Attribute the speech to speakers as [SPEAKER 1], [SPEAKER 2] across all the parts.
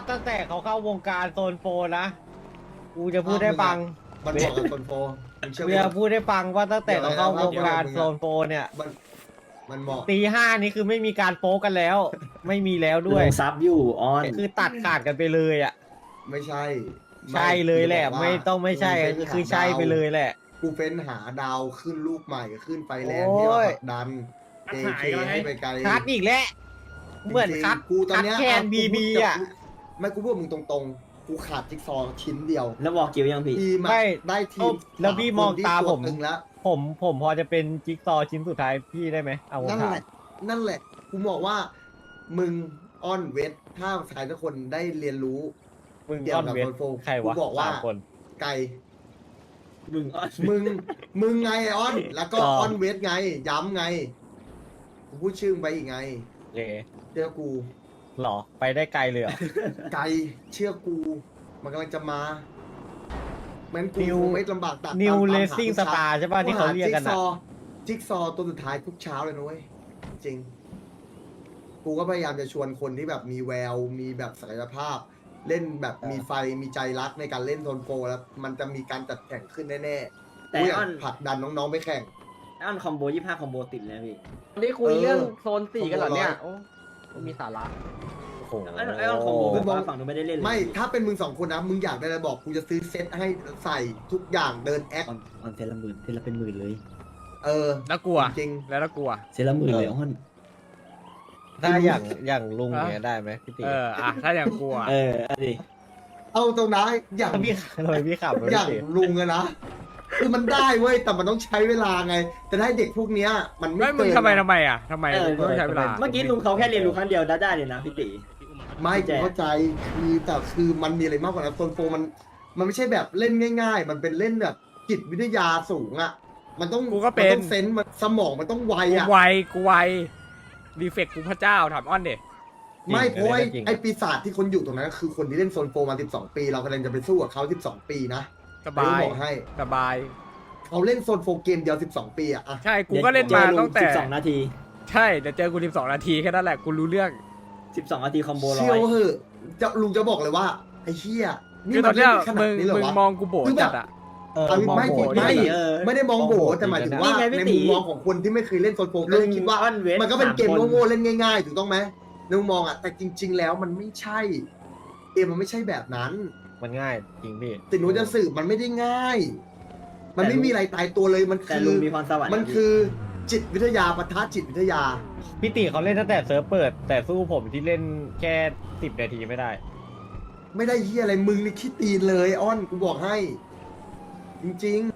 [SPEAKER 1] ตั้งแต่เขาเข้าวงการโซนโฟนะกูจะพูดได้ฟัง
[SPEAKER 2] มันบอกกับคนโฟมึงเชื่อ
[SPEAKER 1] กู
[SPEAKER 2] กู
[SPEAKER 1] จะพูดได้ฟังว่าตั้งแต่เขาเข้าวงการโซนโฟเนี่ย
[SPEAKER 2] มันบอก
[SPEAKER 1] ตีห้านี่คือไม่มีการโป๊กันแล้ว ไม่มีแล้วด้วย
[SPEAKER 3] ลงซับอยู่ออน
[SPEAKER 1] คือตัดขาดกันไปเลยอ่ะ
[SPEAKER 2] ไม่ใช่
[SPEAKER 1] ใช่เลยแหละ
[SPEAKER 2] กูจบอกว่า
[SPEAKER 1] ไม่ต้องไม่ใช่
[SPEAKER 2] กู
[SPEAKER 1] คือใช่ไปเลยแหละ
[SPEAKER 2] กูเฟ้นหาดาวขึ้นลูกใหม่ขึ้นไฟแรงที่มาผลักดัน JK ให้ไปไกล
[SPEAKER 1] คัดอีกแล้วเหมือนคัด
[SPEAKER 2] กูตอนเนี้ย
[SPEAKER 1] คัดแคนบีบีอ่ะ
[SPEAKER 2] ไม่กูพูดมึงตรงๆ กูขาดจิ๊กซอว์ชิ้นเดียว
[SPEAKER 3] แล้วบอกกิวยังพี่
[SPEAKER 2] ทีมอะ
[SPEAKER 1] ไม่
[SPEAKER 2] ได้ทีม
[SPEAKER 1] แล้วพี่มองตาผม
[SPEAKER 2] ตึงแล้ว
[SPEAKER 1] ผมพอจะเป็นจิ๊กซอว์ชิ้นสุดท้ายพี่ได้ไหมเอาผม
[SPEAKER 2] นั่น
[SPEAKER 1] ถาม
[SPEAKER 2] แหละ นั่นแหละ กูบอกว่า มึงอ้อนเวทถ้าใครทุกคนได้เรียนรู้
[SPEAKER 1] มึง
[SPEAKER 2] เกี่ย
[SPEAKER 1] ก้
[SPEAKER 2] ว
[SPEAKER 1] อน
[SPEAKER 2] กับ
[SPEAKER 1] เวท
[SPEAKER 2] โซนโฟ
[SPEAKER 1] ใคร
[SPEAKER 2] กู
[SPEAKER 1] วะ
[SPEAKER 2] บอกว่า
[SPEAKER 1] สามคน
[SPEAKER 2] ไก่
[SPEAKER 3] มึงออน
[SPEAKER 2] มึงไงไอ้อ้อน แล้วก็
[SPEAKER 1] อ๋อ
[SPEAKER 2] อ้อนเวทไง ย้ำไง กูพูดชื่อมึงไปอีกไง
[SPEAKER 1] เย่
[SPEAKER 2] เชื่อกู
[SPEAKER 1] หรอไปได้ไกลเลยเหรอ
[SPEAKER 2] ไก่เชื่อกู มันกำลังจะมาแม้นกู
[SPEAKER 1] New
[SPEAKER 2] คงไม่ลำบากตัด
[SPEAKER 1] New
[SPEAKER 2] ตามหา
[SPEAKER 1] Racing
[SPEAKER 2] ทุกเช้า
[SPEAKER 1] Star ใช่ป่ะที่เขาเรียกกัน
[SPEAKER 2] จิ๊
[SPEAKER 1] อะ
[SPEAKER 2] ซอว์จิ๊กซอว์ตัวสุดท้ายทุกเช้าเลยนะเว้ย จริง กูก็พยายามจะชวนคนที่แบบมีแวว มีแบบศักยภาพ เล่นแบบมีไฟ มีใจรักในการเล่นโซนโฟร์แล้ว มันจะมีการจัดแข่งขึ้นแน่ๆ
[SPEAKER 3] แต่
[SPEAKER 2] กูอยา
[SPEAKER 3] อ้อก น
[SPEAKER 2] ผลักดันน้องๆไปแข่ง
[SPEAKER 3] อ้อนคอมโบ25คอมโบติดเลยนะพี่
[SPEAKER 4] วันนี้คุยเรื่องโซนสี่กันเหรอเนี่ย
[SPEAKER 2] โอ้
[SPEAKER 4] โอ้มีสาระ
[SPEAKER 1] โอ้โห
[SPEAKER 3] ไอ้อ้อนคอมโบแบบว่าฝั่งนู้นไม่ได้เล่นเลย
[SPEAKER 2] ไม่ ถ้าเป็นมึงสองคนนะ มึงอยากได้อะไรบอก กูจะซื้อเซตให้ใส่ทุกอย่างเดินแอค
[SPEAKER 3] ออนเซตละหมื่นเซตละเป็นหมื่นเลย
[SPEAKER 2] เออ
[SPEAKER 5] แล้วกลัว
[SPEAKER 2] จริง
[SPEAKER 5] แล้วกลัว
[SPEAKER 3] เซตละหมื่นเลยอ้อน
[SPEAKER 1] ถ้าอย่างลุงเนี่ยได้ไหมพี่ตี
[SPEAKER 5] ถ้าอย่างกลัว
[SPEAKER 3] เอาดิ
[SPEAKER 2] เอาตรงนะอย่าง
[SPEAKER 1] ถ้าพี่ทำไมพี่ขับรถ
[SPEAKER 2] อย่าง
[SPEAKER 1] พี่ตี
[SPEAKER 2] ลุงอะนะคือมันได้เว้ยแต่มันต้องใช้เวลาไง แต่ถ้าให้เด็กพวกเนี้ยมันไม่
[SPEAKER 5] ไม่มึง
[SPEAKER 2] เกิน
[SPEAKER 5] ทำไมอ่ะทำไมต้องใช้เวลา
[SPEAKER 3] เมื่อกี้ลุงเขาแค่เรียนรู้ครั้งเดียวได้เลยนะพี่ตี
[SPEAKER 2] ไม่
[SPEAKER 3] แจ
[SPEAKER 2] กู
[SPEAKER 3] ก
[SPEAKER 2] เข้าใจคือแต่คือมันมีอะไรมากกว่านั้นโซนโฟมันไม่ใช่แบบเล่นง่าย ๆ มันเป็นเล่นแบบจิตวิทยาสูงอะมันต้อง
[SPEAKER 5] กูก็เป็น
[SPEAKER 2] มันต้องเซนส์มันสมองมันต้องไว
[SPEAKER 5] กู
[SPEAKER 2] อะ
[SPEAKER 5] ไวรีเฟกกูพระเจ้าถามอ้อนเด็
[SPEAKER 2] ไม่เพราะว่าไอ้ปีศาจที่คนอยู่ตรงนั้นก็คือคนที่เล่นโซนโฟมา 12 ปี เรากำลังจะไปสู้กับเขา12 ปีนะ
[SPEAKER 5] สบาย
[SPEAKER 2] บอกให้
[SPEAKER 5] สบาย
[SPEAKER 2] เขาเล่นโซนโฟเกมเดียว12 ปีอะ
[SPEAKER 5] ใช่กูก็เล่นมาตั้งแต่
[SPEAKER 3] 12นาที
[SPEAKER 5] ใช่เดี๋ยวเจอกู12 นาทีแค่นั้นแหละกูรู้เรื่อง
[SPEAKER 3] 12นาทีคอมโบร้
[SPEAKER 2] เชื่
[SPEAKER 3] อ
[SPEAKER 2] อย เหอะลุงจะบอกเลยว่าไอ้เหี้ย
[SPEAKER 5] คือตอนเนี้ย
[SPEAKER 2] ขนา
[SPEAKER 5] มึ
[SPEAKER 2] ด
[SPEAKER 5] ง
[SPEAKER 2] นี้เหรอวะ
[SPEAKER 5] มองกูโบจัดอ่ะ
[SPEAKER 2] เอาไม่
[SPEAKER 1] มองโหด
[SPEAKER 2] ไม่
[SPEAKER 1] จริงๆ
[SPEAKER 2] ไม่ได้มองโบแต่หมายถึงว่า
[SPEAKER 3] นี่ไงพี่
[SPEAKER 2] ใน
[SPEAKER 3] ตี
[SPEAKER 2] มุมมองของคนที่ไม่เคยเล่นโซนโฟก็
[SPEAKER 3] ลุ
[SPEAKER 2] จะ
[SPEAKER 3] ง
[SPEAKER 2] คิดว่า
[SPEAKER 3] อ้อนเวท
[SPEAKER 2] มันก็เป็นเกม
[SPEAKER 3] 3คน
[SPEAKER 2] โง่ๆเล่นง่ายๆถูกต้องไหมในมุมมองอ่ะแต่จริง ๆ แล้วมันไม่ใช่เกมมันไม่ใช่แบบนั้น
[SPEAKER 1] มันง่ายจริงพี่
[SPEAKER 2] ติดหนูจะสืบมันไม่ได้ง่าย มันไม่มีอะไรตายตัวเลยมัน
[SPEAKER 3] แต่
[SPEAKER 2] คือ
[SPEAKER 3] ลุงมีพรสวรรค์
[SPEAKER 2] มันคือจิตวิทยาปะทะจิตวิทยา
[SPEAKER 1] พี่ตีเขาเล่นตั้งแต่เซิร์ฟเปิด แต่สู้ผมที่เล่นแค่10 นาทีไม่ได้
[SPEAKER 2] ไม่ได้เฮียอะไรมึงนี่ขี้ตีนเลยอ้อนกูบอกให้ จริง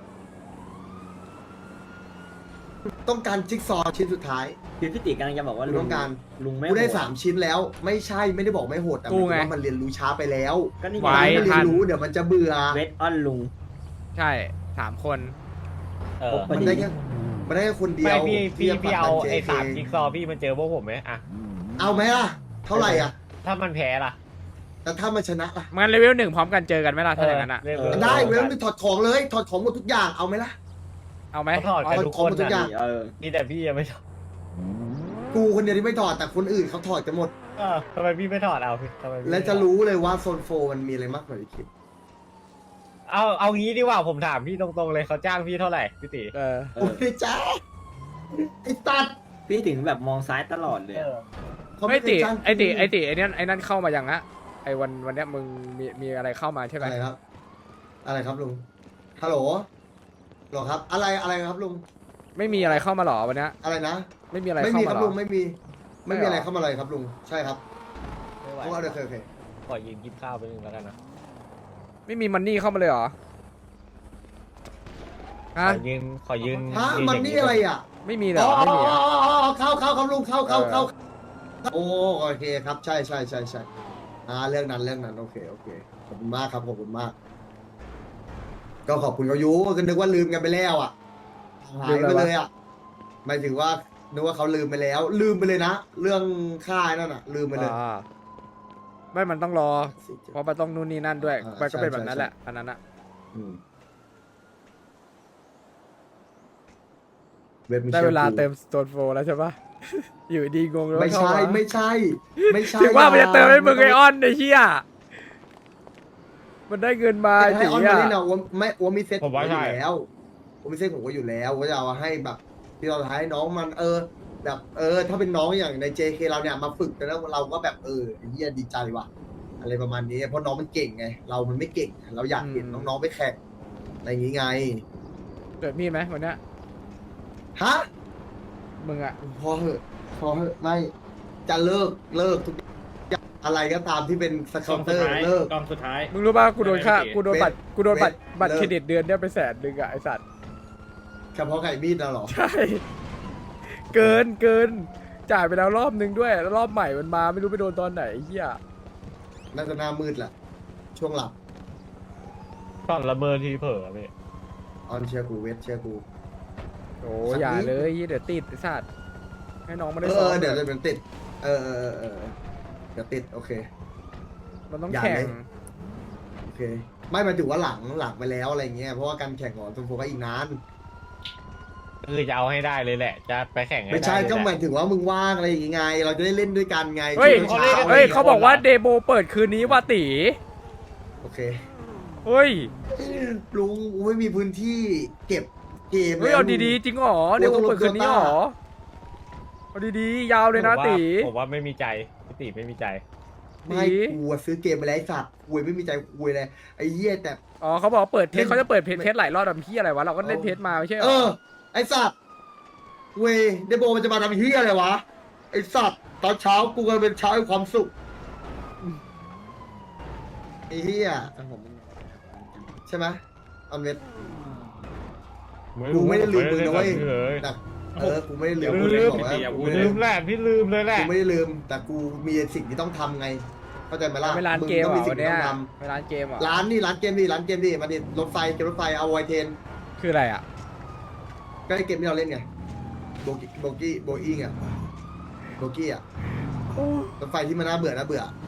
[SPEAKER 2] ๆ ต้องการจิ๊กซอว์ชิ้นสุดท้าย
[SPEAKER 3] คือพี่ตีกำลังจะบอกว่า
[SPEAKER 2] ลุงต้องการ
[SPEAKER 3] ลุงไม่
[SPEAKER 2] กูได้
[SPEAKER 3] โห
[SPEAKER 2] 3 ชิ้นแล้ว ไม่ใช่ไม่ได้บอกไม่โหดแต่ห
[SPEAKER 5] กู
[SPEAKER 2] มายถึง
[SPEAKER 5] ไง
[SPEAKER 2] ว่ามันเรียนรู้ช้าไปแล้ว
[SPEAKER 3] ก็นี่
[SPEAKER 5] ไว้
[SPEAKER 2] มันไม่เรีย
[SPEAKER 5] ทั
[SPEAKER 2] น
[SPEAKER 5] น
[SPEAKER 2] รู้เดี๋ยวมันจะเบื่อ
[SPEAKER 3] เวทอ้อนลุง
[SPEAKER 5] ใช่3 คน
[SPEAKER 1] เออ
[SPEAKER 3] พอ
[SPEAKER 2] มัน
[SPEAKER 3] ดี
[SPEAKER 2] ได้แค่มันได้แค่คนเดีย
[SPEAKER 1] ไม่
[SPEAKER 2] ว
[SPEAKER 1] พี่
[SPEAKER 2] ที่จะผลัก
[SPEAKER 1] เอา
[SPEAKER 2] ดัน
[SPEAKER 1] ไอ้
[SPEAKER 2] JK
[SPEAKER 1] 3 จิ๊กซอว์พี่มันเจอพวกผมไหมอะ
[SPEAKER 2] เอาไหมล่ะ เท่าไหร่อ่ะ
[SPEAKER 1] ถ้ามันแพ้ล่ะ
[SPEAKER 2] แต่ถ้ามันชนะล่ะ
[SPEAKER 5] มันเลเวล1พร้อมกันเจอกันไหมล่ะถ้าอย่างนั้นอ่ะ
[SPEAKER 2] ได้เว้ยมันถอดของเลยถอดของหมดทุกอย่างเอาไหมล่ะ
[SPEAKER 5] เอาไหม
[SPEAKER 1] เขาถอดกันทุกคน
[SPEAKER 2] ทุกอย่าง
[SPEAKER 1] นะมีแต่พี่ยังไม่ถอด
[SPEAKER 2] กูคนเดียวที่ไม่ถอดแต่คนอื่นเขาถอดกันหมด
[SPEAKER 1] ทำไมพี่ไม่ถอดเอาพี่ทำไมพี่
[SPEAKER 2] และจะรู้เลยว่าโซนโฟมันมีอะไรมากกว่าที่คิด
[SPEAKER 1] เอางี้ดีกว่าผมถามพี่ตรงๆเลยเขาจ้างพี่เท่าไหร่พี่ตี
[SPEAKER 5] เออ
[SPEAKER 2] โอ้ยจ้าไอ้ตัด
[SPEAKER 3] พี่ถึงแบบมองซ้ายตลอดเลยอะ
[SPEAKER 2] เขา
[SPEAKER 5] ไม่
[SPEAKER 2] เค
[SPEAKER 5] ติ
[SPEAKER 2] ยจ้าง
[SPEAKER 5] ไอนั่นเข้ามายังอะไอวันเนี้ยมึงมีอะไรเข้ามาใช่ไหม
[SPEAKER 2] อะไรครับ อะไรครับลุงฮัลโหลหรอครับ อะไรครับลุง
[SPEAKER 5] ไม่มีอะไรเข้ามาหรอวันเนี้ย
[SPEAKER 2] อะไรนะ
[SPEAKER 5] ไม่มีอะไร
[SPEAKER 2] ไม่
[SPEAKER 5] เข้า
[SPEAKER 2] มีค
[SPEAKER 5] มา
[SPEAKER 2] รับ
[SPEAKER 5] หร
[SPEAKER 2] ลุ
[SPEAKER 5] อง
[SPEAKER 2] ไม่มี ไม่มีอะไรเข้ามาเลยครับลุงใช่ครับ
[SPEAKER 1] ไม่ไหว
[SPEAKER 2] โอเคโอเค
[SPEAKER 1] ขอยืนกินข้าวไปนึงแล้วกันนะ
[SPEAKER 5] ไม่มีมันนี่เข้ามาเลยเหรอ
[SPEAKER 1] ข
[SPEAKER 5] ฮะ
[SPEAKER 1] อยืน
[SPEAKER 2] ฮะ
[SPEAKER 1] ยื
[SPEAKER 2] มัน
[SPEAKER 1] ย่าง
[SPEAKER 2] นี่อะไรอ่ะ
[SPEAKER 5] ไม่มีเหร
[SPEAKER 2] อ๋
[SPEAKER 5] อ
[SPEAKER 2] อ
[SPEAKER 5] ไม่มีอะ
[SPEAKER 2] เข้าครับลุงเข้าโอ้โอเคครับใช่เรื่องนั้นโอเคขอบคุณมากครับขอบคุณมาก ก็ขอบคุณเขาอยู่ก็นึกว่าลืมกันไปแล้วอ่ะหายไปเลยอ่ะหมายถึงว่านึกว่าเขาลืมไปแล้ว ลืมไปเลยนะ เรื่องค่ายนั่นอ่ะ ลืมไปเลย
[SPEAKER 5] อ่าไม่มันต้องรอ เพราะมันต้องนู่นนี่นั่นด้วย
[SPEAKER 2] อ่า
[SPEAKER 5] มันก็เป็น
[SPEAKER 2] ใช่
[SPEAKER 5] แบบนั้น
[SPEAKER 2] ใช่
[SPEAKER 5] แหละอันนั้นอะ
[SPEAKER 2] เว็บมึง
[SPEAKER 5] ได้
[SPEAKER 2] ชื่อ
[SPEAKER 5] เวลา
[SPEAKER 2] กู
[SPEAKER 5] เติมสโตนโฟแล้วใช่ปะอยู่ดีงงเลย
[SPEAKER 2] ไม่
[SPEAKER 5] เข้า
[SPEAKER 2] ใช่
[SPEAKER 5] มา
[SPEAKER 2] ไม่ใช่ไม่ใช่
[SPEAKER 5] ถึงว่ามันจะเติมให้มึงไออ
[SPEAKER 2] อ
[SPEAKER 5] อนไอ้เหี้ยมันได้เงินมา
[SPEAKER 2] ให้
[SPEAKER 5] ตี
[SPEAKER 2] ออนมา
[SPEAKER 5] อ่ะ
[SPEAKER 2] เล่นเอาไม่ว่ามีเซ็ต
[SPEAKER 1] ผมว่า
[SPEAKER 2] อยู่
[SPEAKER 1] ใช่
[SPEAKER 2] แล้วว่ามีเซ็ตผมก็อยู่แล้วว่าจะเอาให้แบบที่เราให้น้องมันแบบถ้าเป็นน้องอย่างใน JK เราเนี่ยมาฝึกกันแล้วเราก็แบบไอ้เหี้ยดีใจว่ะอะไรประมาณนี้เพราะน้องมันเก่งไงเรามันไม่เก่งเราอยากเห็นน้องๆไปแข่งอะไรอย่างงี้ไง
[SPEAKER 5] เกิดมีดไหมวันเนี้ย
[SPEAKER 2] ฮะ
[SPEAKER 5] มึงอ่ะ
[SPEAKER 2] พอเหอะไม่จะเลิกทุกอย่างอะไรก็ตามที่เป็นส
[SPEAKER 6] ก
[SPEAKER 2] เคา
[SPEAKER 6] อง
[SPEAKER 2] น์เต
[SPEAKER 6] สุ
[SPEAKER 2] อ
[SPEAKER 6] ด
[SPEAKER 2] ร์
[SPEAKER 6] ท้าย
[SPEAKER 2] เลิก
[SPEAKER 6] กองสุดท้าย
[SPEAKER 5] มึงรู้ป่ะกูโดนค่า
[SPEAKER 6] ไม่
[SPEAKER 5] กูโดนบัตรกูโดนบัตร
[SPEAKER 2] เวท
[SPEAKER 5] บัตร
[SPEAKER 2] เวท
[SPEAKER 5] เครดิตเดือนเนี้ยไป100,000อ่ะไอสัตว์
[SPEAKER 2] เฉพาะไก่มีดนะเหรอ
[SPEAKER 5] ใช่ เกินจ่ายไปแล้วรอบนึงด้วยแล้วรอบใหม่มันมาไม่รู้ไปโดนตอนไหนไอ้เหี้ย
[SPEAKER 2] น่าจะหน้ามืดแหละช่วงหลับ
[SPEAKER 1] ตอนละเมอทีเผลอพี่
[SPEAKER 2] ออนเชียร์กูเวทเชียร์กู
[SPEAKER 5] โอ้
[SPEAKER 2] สักนิด
[SPEAKER 5] อย่าเลยเดี๋ยวติดไอ้สัตว์ให้น้องมาได้
[SPEAKER 2] เอ
[SPEAKER 5] ซ้อ
[SPEAKER 2] อ
[SPEAKER 5] ม
[SPEAKER 2] เดี๋ยวจะเป็นติดเเดี๋ยวติดโอเค
[SPEAKER 5] มันต้อง
[SPEAKER 2] อย่า
[SPEAKER 5] แข่
[SPEAKER 2] เล
[SPEAKER 5] ง
[SPEAKER 2] ย โอเค ไม่หมายถึงว่าหลังไปแล้วอะไรเงี้ยเพราะว่าการแข่งของซุนโฟก็อีกนาน
[SPEAKER 1] คือจะเอาให้ได้เลยแหละ จะไปแข่งให้
[SPEAKER 2] ไม่
[SPEAKER 1] ได้
[SPEAKER 2] ใช่
[SPEAKER 1] เลย
[SPEAKER 2] ก็
[SPEAKER 1] แห
[SPEAKER 2] ห
[SPEAKER 1] ละ
[SPEAKER 2] มายถึงว่ามึงว่างอะไรอย่างงี้ไง เราจะได้เล่นด้วยกันไง
[SPEAKER 5] เฮ้ย
[SPEAKER 2] ช่วงช้า
[SPEAKER 5] เฮ้ยเขาบอกว่าเดโบเปิดคืนนี้ว่าตี
[SPEAKER 2] โอเค
[SPEAKER 5] เฮ้ย
[SPEAKER 2] ลุงกูไม่มีพื้นที่เก็บเกม
[SPEAKER 5] เฮ้ยเอาดีๆจริงเหรอเดโบเปิดคืนนี้เหรอเอาดีๆยาวเลยนะตี
[SPEAKER 1] ผมว่าไม่มีใจพี่ตีไม่มีใจ
[SPEAKER 2] ไม่กูอะซื้อเกมไปแล้วไอ้สัตว์กูไม่มีใจกูเลยไอ้เหี้ยแต่
[SPEAKER 5] อ๋อเขาบอกเปิดเท
[SPEAKER 2] เล่
[SPEAKER 5] ส
[SPEAKER 2] น
[SPEAKER 5] เขาจะเปิดเทสหลายรอบแบบพี่อะไรวะเราก็เล่นเทสมาไม่ใช่เหร
[SPEAKER 2] เอ
[SPEAKER 5] อ
[SPEAKER 2] อ ไอสัตว์เวยเดโบมันจะมาทำเฮียอะไรวะ ไอสัตว์ตอนเช้ากูก็เป็นเช้าแห่งความสุขไอเฮียใช่ไหมออนเวท กูไม่ได้ลืมมึงนะเว้ย
[SPEAKER 1] เลย
[SPEAKER 2] แต่กูไม่ได้ลืม
[SPEAKER 6] อย่าพูด
[SPEAKER 2] กู
[SPEAKER 6] เลย
[SPEAKER 2] บอกว่า
[SPEAKER 6] อย่าพู
[SPEAKER 2] กู
[SPEAKER 6] ด
[SPEAKER 2] ไม่
[SPEAKER 6] เล
[SPEAKER 2] ได้
[SPEAKER 1] ลื
[SPEAKER 2] ลื
[SPEAKER 1] ม
[SPEAKER 2] ม
[SPEAKER 1] แหละพี่ลืมเลยแหละ
[SPEAKER 2] กูไม่ได้ลืม แต่กูมีสิ่งที่ต้องทำไง เข้าใจไหมล่ะ
[SPEAKER 5] เวลา
[SPEAKER 2] มึง
[SPEAKER 5] เกม
[SPEAKER 2] ต้
[SPEAKER 5] เห
[SPEAKER 2] อง
[SPEAKER 5] ร
[SPEAKER 2] มี
[SPEAKER 5] อ
[SPEAKER 2] สิ่งที่
[SPEAKER 5] เนี่ย
[SPEAKER 2] ต้องท
[SPEAKER 5] เวลาเกมเหรอ
[SPEAKER 2] ำร้านเกมดิมาดิรถไฟเกมรถไฟเอาไวเทน
[SPEAKER 5] คืออะไรอ่ะ
[SPEAKER 2] ก็ไอเกมที่เราเล่นไงโบอี้อ่ะโบกี้อ่ะรถไฟที่มันน่าเบื่อ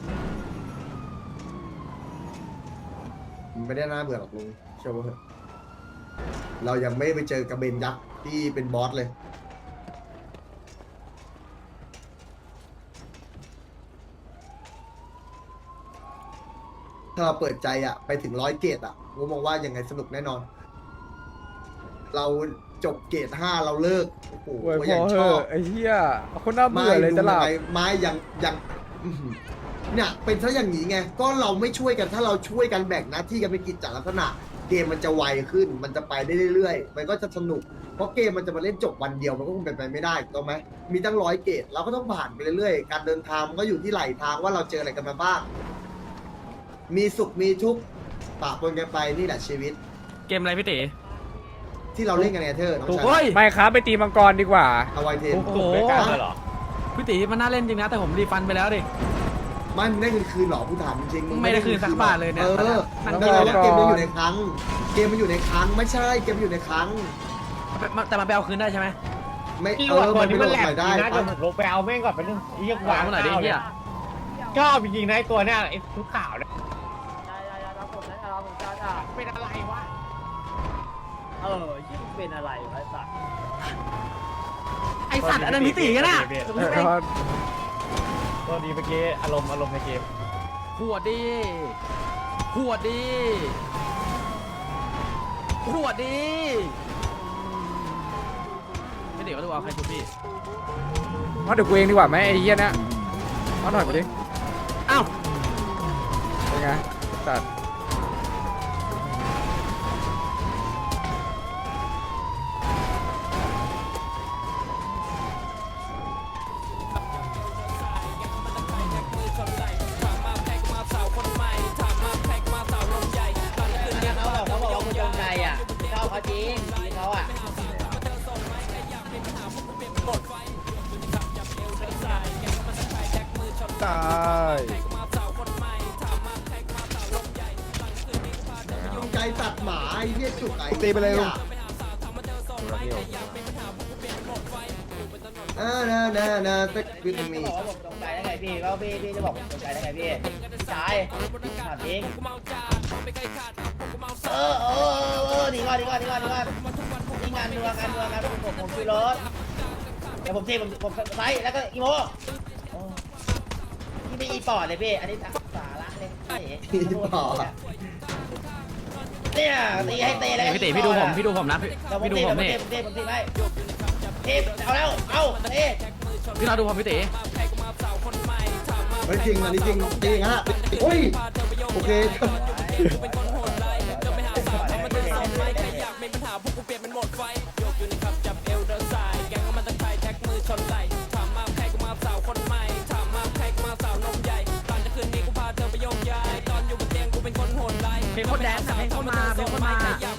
[SPEAKER 2] มันไม่ได้น่าเบื่อหรอกลุงเชื่อว่าเถอะเรายังไม่ไปเจอกระเบนยักษ์ที่เป็นบอสเลย ถ้าเราเปิดใจอ่ะไปถึง100 เกรดอ่ะผมมองว่ายังไงสนุกแน่นอน เราจบเกรด5เราเลิกโอ้โห
[SPEAKER 5] โอ้ย
[SPEAKER 2] ก็
[SPEAKER 5] พ
[SPEAKER 2] ยั
[SPEAKER 5] อง เห
[SPEAKER 2] ชอ
[SPEAKER 5] อะ
[SPEAKER 2] บ
[SPEAKER 5] ไอ้เหี้ยคนน่าเบื่อเลย
[SPEAKER 2] ดู
[SPEAKER 5] จะหลับ
[SPEAKER 2] ยังไงไม่ยังอื้อหือเนี่ยเป็นซะอย่างนี้ไงก็เราไม่ช่วยกันถ้าเราช่วยกันแบ่งหน้าที่กันเป็นกิจจลักษณะ เกมมันจะไวขึ้น มันจะไปได้เรื่อยๆ มันก็จะสนุก เพราะเกมมันจะมาเล่นจบวันเดียวมันก็คงเป็นไปไม่ได้ถูกต้องไหมมีตั้ง100 เกรดเราก็ต้องผ่านไปเรื่อยๆ การเดินทางมันก็อยู่ที่ไหลทางว่าเราเจออะไรกันมาบ้าง มีสุขมีทุกข์ปะปนกันไปนี่แหละชีวิต
[SPEAKER 7] เกมอะไรพี่ตี
[SPEAKER 2] ที่เราเล่นกันไงเธอน้อง
[SPEAKER 7] ถูก
[SPEAKER 2] ชา
[SPEAKER 7] เฮ้
[SPEAKER 2] ย
[SPEAKER 7] ย
[SPEAKER 5] ไม่ครับไปตีมังกรดีกว่า
[SPEAKER 2] เอาไวเทน
[SPEAKER 1] ถูกด้วยกันเลยเหรอ
[SPEAKER 7] พี่ตีมันน่าเล่นจริงนะ แต่ผมรีฟันไปแล้วดิ
[SPEAKER 2] มันได้เงินคืนเหรอผู้ถามจริงๆ
[SPEAKER 7] ไม่ได้คืนสักบาทเลยเนี่ย
[SPEAKER 2] นั่
[SPEAKER 7] นั่
[SPEAKER 2] น
[SPEAKER 7] ง
[SPEAKER 2] ก็
[SPEAKER 7] ดู
[SPEAKER 2] แปล
[SPEAKER 7] แล้
[SPEAKER 2] ว่าว เกมมันอยู่ในครั้ง เกมมันอยู่ในครั้ง ไม่ใช่ เกมมันอยู่ในครั้ง
[SPEAKER 7] แต่มาไปเอาคืนได้ใช่ไหม
[SPEAKER 2] ไม่
[SPEAKER 1] พี่ว่าตัว
[SPEAKER 2] มัน
[SPEAKER 1] นี้
[SPEAKER 2] ไม่
[SPEAKER 1] มัน
[SPEAKER 2] โหล
[SPEAKER 1] แหล
[SPEAKER 2] ด
[SPEAKER 1] ก
[SPEAKER 2] ใหม่
[SPEAKER 1] จริ
[SPEAKER 2] ได้
[SPEAKER 1] งนะ
[SPEAKER 2] ปะ
[SPEAKER 1] เดี๋ยวผมลงไปเอาแม่งก่อนไปนึงเรียกวาง
[SPEAKER 7] เมื่อไหร่ดิเฮีย
[SPEAKER 1] ชอบจริงๆนะไอ้ตัวเนี้ยไอ้ทุกข่าวเนี่ย
[SPEAKER 4] เป็นอะไรวะ ยิ่งเป็นอะไรวะสัตว์
[SPEAKER 7] ไอสัตว์อันนั้นพี่ตีกันน่ะ
[SPEAKER 1] ตัวดีเมื่อกี้อารมณ์ในเกม
[SPEAKER 7] ขวดดีขวดดีขวดดีพี่ตีก็ดูเอาใครชุบพี่
[SPEAKER 5] มาเดี๋ยวกูเองดีกว่าไหมไอ้เหี้ยเนะมาหน่อยไปดิ
[SPEAKER 7] อ้าว
[SPEAKER 5] เป็นไงสัตว์
[SPEAKER 4] เขาบอกว่าคุณจงใจอ่ะชอบเขาจริงทีเขาอ่ะ
[SPEAKER 5] ตาย
[SPEAKER 2] ใจตัดหมาไอ้เหี้ยจุกไอ้
[SPEAKER 5] ตีไปเลยลุง
[SPEAKER 2] น่าสักคือมี
[SPEAKER 4] บอกว่าผมจงใจได้ไงพี่ก็พี่จะบอกผมจงใจได้ไงพี่ชายถามจริงหนีก่อนนี่งานผมคุยรถแล้วผมเทผมไซส์แล้วก็อีโมนี่ไม่อีปอดเลยพี่อันนี้สาระเลยเนี่ยตีให้เตะเลย
[SPEAKER 7] พี่ตีพี่ดูผมนะพี่ดูผมนี่
[SPEAKER 4] ผมตีไม่เทเอาแล้วเอาเท
[SPEAKER 7] พี่เราดูผมพี่ตี
[SPEAKER 2] เฮ้ยจริงอันนี้จริงจริงฮะโอ้ยโอเค
[SPEAKER 7] เป็นคนแดนให้เข้ามาเป็นคนมา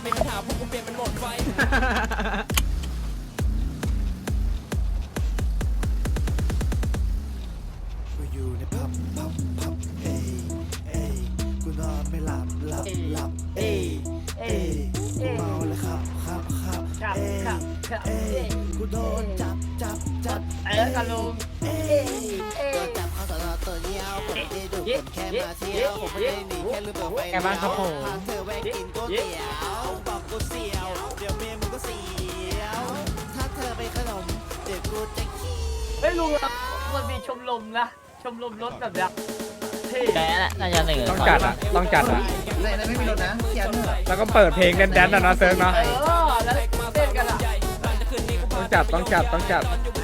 [SPEAKER 6] กูอยู่ในผับเอ้ยเอ้ยกูนอนไม่หลับเอ้ยเอ้ยกูเมาเลยครับเอ้ยเอ้ยกูโดนจับ
[SPEAKER 4] กันลุง
[SPEAKER 6] โดนจับเข้าสอนอตัวเดียวผมไม่ได้ดูผมแค่มาเที่ยวผมไม่ได้หนีแค่ลืมเปิดไฟพาเธอแวะกินก๋วยเตี๋ยวบอกกูเสียวเดี๋ยวเมียมึงก็เสียวถ้าเธอไปขนมเดี๋ยวกูจะขี้
[SPEAKER 7] เฮ้ยลุงมันมีชมรมนะชมรมรถแบบเนี้ยเท่
[SPEAKER 8] แกแหละน่าจะหนึ่ง
[SPEAKER 5] ต้องจัดอ่ะ
[SPEAKER 4] ไม่มีรถนะเขียน
[SPEAKER 5] แล้วก็เปิดเพลงแดนๆนะเซิร์ฟเนาะ
[SPEAKER 7] แล้วเต้นกันอ่ะ
[SPEAKER 5] ต้องจัด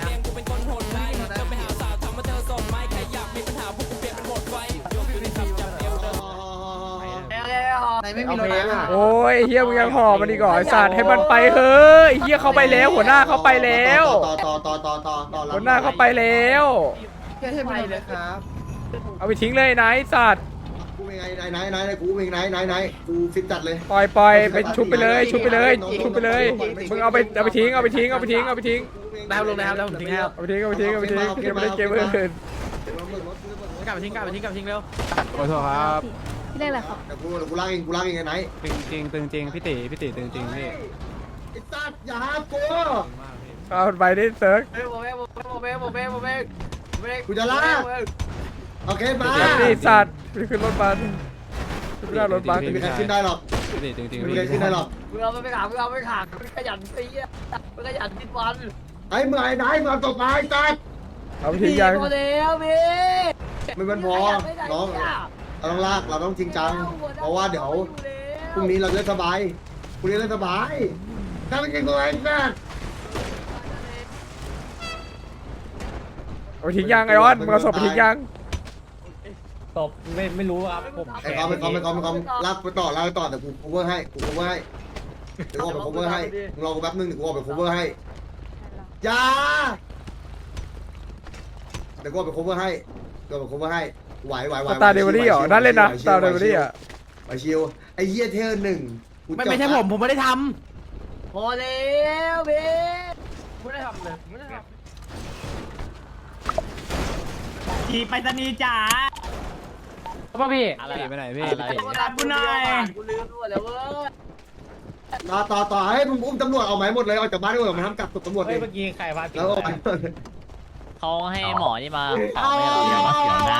[SPEAKER 4] ไหนไม่มีรถนะ
[SPEAKER 5] โอ้ยเฮียมึงยังห่อมันอีกเหรอไอ้สัตว์ให้มันไปเฮ้ยเฮียเขาไปแล้วหัวหน้าเขาไปแล้ว
[SPEAKER 2] ต่อ
[SPEAKER 5] หัวหน้าเขาไปแล้ว
[SPEAKER 4] แค่ให้ไปเลยครับ
[SPEAKER 5] เอาไปทิ้งเลยนะไอ้สัตว์
[SPEAKER 2] กูเป็นไงไหนกูเป็นไงกูฟิตจัดเลย
[SPEAKER 5] ปล่อยไปชุบไปเลยมึงเอาไปทิ้ง
[SPEAKER 7] ได้ลุงนะครับแล้วผมทิ้งให้ครับ
[SPEAKER 5] เอาไปทิ้งเก็บไปเล่นเกมอื่น
[SPEAKER 7] กลับไปทิ้งเร็ว
[SPEAKER 5] ขอโทษครับ
[SPEAKER 9] พี่เรียกอะไรครับ
[SPEAKER 2] แต่กูลากเองไหน
[SPEAKER 5] ตึงจริงพี่ตีตึงจริงพี่
[SPEAKER 2] ไอ้สัตว์อย่าหากู
[SPEAKER 5] เอาไปดิเซิร์ฟ
[SPEAKER 7] โมเบ้
[SPEAKER 2] กูจะลาก โอเคมา
[SPEAKER 5] ไอ้สัตว์ไปขึ้นรถบัสไม่ได้รถบัส
[SPEAKER 2] ไม่มีใครขึ้นได้หรอก
[SPEAKER 5] จริง
[SPEAKER 2] ไม่มีใครขึ้นได้หรอก
[SPEAKER 7] มึงเอาไปขามันขยันตีอ่ะมันขยันติดวัน
[SPEAKER 2] ไอ้เมื่อไหนมึงตกไปสัตว์
[SPEAKER 5] เอาไปทิ้งยัง
[SPEAKER 7] โมเดลพี่
[SPEAKER 2] มันพอน้องเราต้องลากเราต้องจริงจังเพราะว่าเดี๋ยวพรุ่งนี้เราจะสบายพรุ่งนี้เราสบายถ้าไม่กินกูไอ้สัตว์
[SPEAKER 5] เอาไปทิ้งยังไอออนมึงเอาศพไปทิ้งยัง
[SPEAKER 1] ตบไม่รู้ครับผม
[SPEAKER 2] ไอ้คอมลากไปต่อแต่กู cover ให้เดี๋ยวกูออกไป cover ให้มึงรอกูแป๊บนึงเดี๋ยวกูออกไป cover ให้อย่าเดี๋ยวกูออกไป cover ให้ไหว
[SPEAKER 5] สตาร์เดวิลี่เหรอนั่นเล่นนะสตาร์เดวิลี่อ่ะ
[SPEAKER 2] ไปชิวไอ้เหี้ยเทอร์หนึ่ง
[SPEAKER 7] ไม่ใช่ผมไม่ได้ทำโมเดลพี่ไม่ได้ทำเลยทีไปตานีจ๋าพ่อพี่อะไรไปไหนพี่กูหน่อยกูลืมด้วยแล้วเว้ย
[SPEAKER 2] ต่อให้มึงอุ้มตำรวจเอาไหมหมดเลยออกจากบ้านด้วยมันทำกับตำรวจ
[SPEAKER 1] เฮ้
[SPEAKER 2] เอย ง
[SPEAKER 1] เมื่อกี้ใครพา
[SPEAKER 2] แล้ว
[SPEAKER 8] เขาให้หมอนี่มา
[SPEAKER 1] เอา
[SPEAKER 8] ได้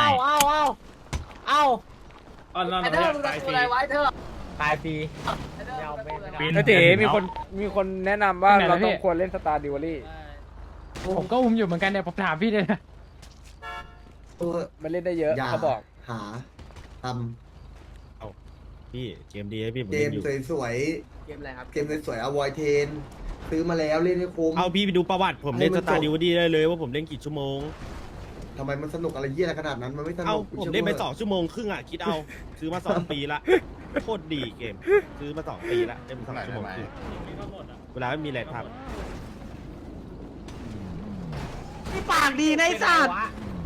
[SPEAKER 7] ไอ้เธอมึงทำอะไรไว้เธอ
[SPEAKER 1] ตายฟรี
[SPEAKER 5] ไอตีมีคนแนะนำว่าเราต้องควรเล่นสตาร์เดวิลี่
[SPEAKER 7] ผมก็อุ้มอยู่เหมือนกันเนี่ยผมถามพี่เลยนะ
[SPEAKER 5] มันเล่นได้เยอะเขาบอก
[SPEAKER 2] หาท
[SPEAKER 1] พี่เกมดีให้พี่
[SPEAKER 2] ำเกมสวย
[SPEAKER 7] เกมอะไรครับ
[SPEAKER 2] เกมสวยๆ avoid เทนซื้อมาแล้วเล่นให้คุ้ม
[SPEAKER 1] เอาพี่ไปดูประวัติผมเล่นสตาร์ดิวดี้ได้เลยว่าผมเล่นกี่ชั่วโมง
[SPEAKER 2] ทำไมมันสนุกอะไรเยี่ยอะไรขนาดนั้นมันไม่สนุ
[SPEAKER 1] เอา
[SPEAKER 2] ก
[SPEAKER 1] ผมเล่นไป2 ชั่วโมงครึ่งอ่ะคิดเอาซื้อมา2 ปีละโคตรดีเกมซื้อมา2 ปีละเล่น2 ชั่วโมงครึ่งเวลาไม่มีอะไรทำ
[SPEAKER 7] ปากดีนะไอ้สัตว์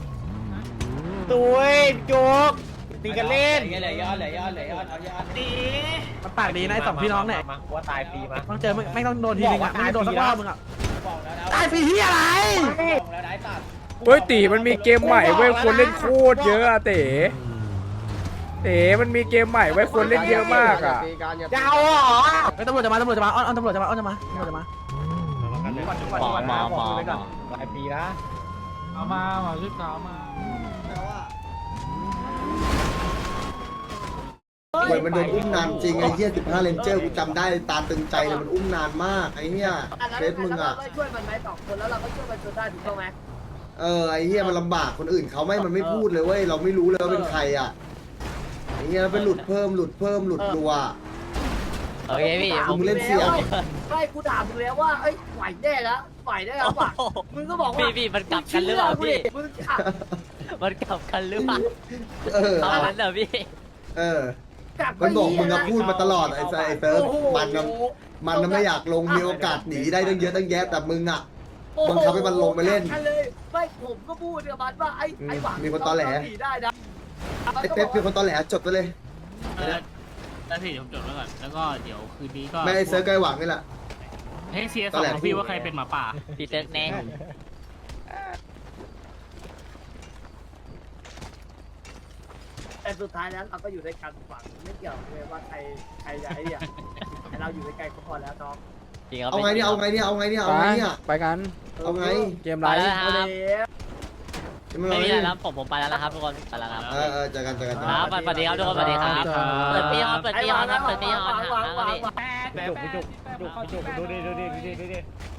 [SPEAKER 1] ตุ้ยโจ๊กตีกันเล่น
[SPEAKER 4] เหลือยอด
[SPEAKER 7] ดีมันปากดีนะไอ้สองพี่น้องเนี่ย
[SPEAKER 1] มาว่าตายฟรีมา
[SPEAKER 7] ต้องเจอไม่ต้องโดนทีนึงอ่ะไม่โดนสักรอบมึงอ่ะ
[SPEAKER 4] บอกแล้วนะ
[SPEAKER 7] ตายฟรีที่อะไร
[SPEAKER 4] บอกแล้วได้ตัด
[SPEAKER 5] เฮ้ยตีมันมีเกมใหม่เว้ยคนเล่นโคตรเยอะอะเต๋มันมีเกมใหม่ไว้คนเล่นเยอะมากอ่ะ
[SPEAKER 1] จะเอาเหรอ
[SPEAKER 7] ตำรวจจะมาอ้อนตำรวจจะมา
[SPEAKER 8] หมอ
[SPEAKER 1] ตายฟรีนะ
[SPEAKER 7] เอามาชุดขาวมา
[SPEAKER 2] แเว้ยมันโดนอุ้มนานจริงไอ้เหี้ย15เลนเจอร์กูจำได้ตาตึงใจเลยมันอุ้มนานมากไอ้เหี้ยเฟซมึงอ่ะ
[SPEAKER 4] ช่วยมันไหม2 คนแล้วเราก็ช่วยมันจนได้ถูกต้องไหม
[SPEAKER 2] ไอ้เหี้ยมันลำบากคนอื่นเขามันไม่พูดเลยเว้ยเราไม่รู้เลยว่าเป็นใครอ่ะไอ้เหี้ยเป็นหลุดเพิ่มหลุดรัว
[SPEAKER 8] โอเคพี่ผม
[SPEAKER 2] มึงเล่นเสี่ยง
[SPEAKER 4] ไม่กูถามมึงแล้วว่าเอ้ยไหวแน่แล้วไหวแน่แล้วว่ะมึงก็บอกว่า
[SPEAKER 8] พี่มันกลับกันหรือเปล่าพี่
[SPEAKER 4] มึงขับ
[SPEAKER 8] มันกลับกันหรือเปล่า
[SPEAKER 2] เออ
[SPEAKER 8] เอานั้นเหรอพี่
[SPEAKER 4] กลับ
[SPEAKER 2] มันบอกมึง
[SPEAKER 4] นะ
[SPEAKER 2] พูดมาตลอดไอ้เซิร์ฟมันไม่อยากลงมีโอกาสหนีได้ตั้งเยอะตั้งแยะแต่มึงอ่ะ บังคับให้มันลงไปเล่น
[SPEAKER 4] เลยไม่ผมก็พูดกับมันว่าไอ้หวัง
[SPEAKER 2] มีคนตอแหล
[SPEAKER 4] หนีได้นะ
[SPEAKER 2] ไอ้เป๊ปเป็นคนตอแหลจดไปเลย
[SPEAKER 7] แล้วพี่เดี๋ยวผมจดไว้ก่อนแล้วก็เดี๋ยวคืนนี้ก็
[SPEAKER 2] ไม่ไอ้เซิร์ฟไกลหวังนี่แหละ
[SPEAKER 7] ให้เซียสองพี่ว่าใครเป็นหมาป่า
[SPEAKER 8] พี่เซิร์กแน่
[SPEAKER 4] แต่สุดท้ายแล้วเราก็อยู่ด้วยกันหวังไม่เกี่ยวเลยว่าใครจะไอ้เนี่ยแต่เราอยู่ด้วยกันก็พอแล้วน้อง
[SPEAKER 8] จริงครับ
[SPEAKER 2] เอาไงเนี่ย
[SPEAKER 5] ไปกัน
[SPEAKER 2] เอาไง
[SPEAKER 5] เกม
[SPEAKER 8] ไป
[SPEAKER 5] ไร
[SPEAKER 8] แล้วนะครับ ไม่มีอะไร
[SPEAKER 2] แล้
[SPEAKER 8] แล้วผมไปแล้วนะครับทุกคนไปแล้วครับ
[SPEAKER 2] เจอกัน
[SPEAKER 8] ครับสวัสดีครับทุกคนสวัสดีครับเปิดปีฮอนเปิดปีฮอนครับเปิดปีฮอนครับ
[SPEAKER 4] วาง
[SPEAKER 7] แป๊บ
[SPEAKER 1] จุกดูดิ